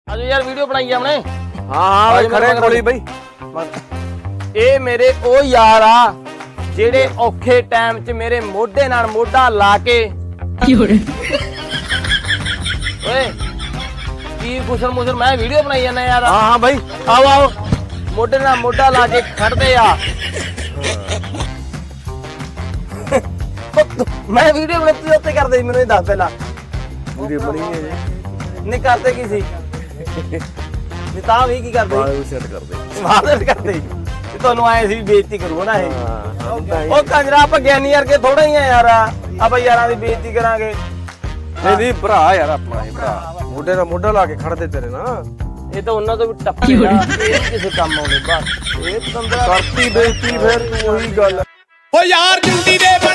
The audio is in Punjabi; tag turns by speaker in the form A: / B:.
A: ਆਜੋ ਯਾਰ ਵੀਡੀਓ ਬਣਾਈ ਆਪਣੇ।
B: ਹਾਂ ਬਈ ਖੜੇ ਕੋਲੀ ਬਈ।
A: ਇਹ ਮੇਰੇ ਉਹ ਯਾਰ ਆ ਜਿਹੜੇ ਔਖੇ ਟਾਈਮ 'ਚ ਮੇਰੇ ਮੋਢੇ ਨਾਲ ਮੋਢਾ ਲਾ ਕੇ ਓਏ ਕੀ ਗੁਸਰ ਮੁਸਰ ਮੈਂ ਵੀਡੀਓ ਬਣਾਈ ਜਾਂਦਾ ਯਾਰ।
B: ਹਾਂ ਬਈ
A: ਆਓ ਆਓ ਮੋਢੇ ਨਾਲ ਮੋਢਾ ਲਾ ਕੇ ਖੜਦੇ ਆ। ਮੈਂ ਵੀਡੀਓ ਬਣਾ ਤੂੰ ਉੱਤੇ ਕਰਦੇ ਮੈਨੂੰ ਇਹ ਦੱਸ ਪਹਿਲਾਂ।
B: ਵੀਡੀਓ ਬਣੀ ਹੈ ਜੀ।
A: ਨਹੀਂ ਕਰਦੇ ਕੀ ਸੀ ਨਹੀਂ ਤਾਂ ਵੀ ਕੀ ਕਰਦੇ
B: ਬਾਅਦ ਵਿੱਚ ਸੈੱਟ ਕਰਦੇ।
A: ਮਾਦਰ ਕਰਦੇ ਤੇ ਤੁਹਾਨੂੰ ਆਏ ਸੀ ਬੇਇੱਜ਼ਤੀ ਕਰੂਗਾ ਨਾ ਇਹ।
B: ਹਾਂ
A: ਉਹ ਕੰਜਰਾ ਆਪਾਂ ਗਿਆਨੀ ਵਰਗੇ ਥੋੜਾ ਹੀ ਆ ਯਾਰ। ਆਪਾਂ ਯਾਰਾਂ ਦੀ ਬੇਇੱਜ਼ਤੀ ਕਰਾਂਗੇ।
B: ਨਹੀਂ ਨਹੀਂ ਭਰਾ ਯਾਰ ਆਪਣਾ ਇਹ ਭਰਾ ਮੋਢੇ ਨਾਲ ਮੋਢਾ ਲਾ ਕੇ ਖੜਦੇ ਤੇਰੇ ਨਾਲ।
A: ਇਹ ਤਾਂ ਉਹਨਾਂ ਤੋਂ ਵੀ ਟੱਪੇਗਾ ਇਹ ਕਿਸੇ ਕੰਮ ਆਉਂਦੇ ਬਸ। ਇਹ ਤੰਦਰਾ
B: ਕਰਤੀ ਬੇਇੱਜ਼ਤੀ ਫਿਰ ਤੂੰ ਉਹੀ ਗੱਲ।
C: ਓ ਯਾਰ ਜੁੰਡੀ ਦੇ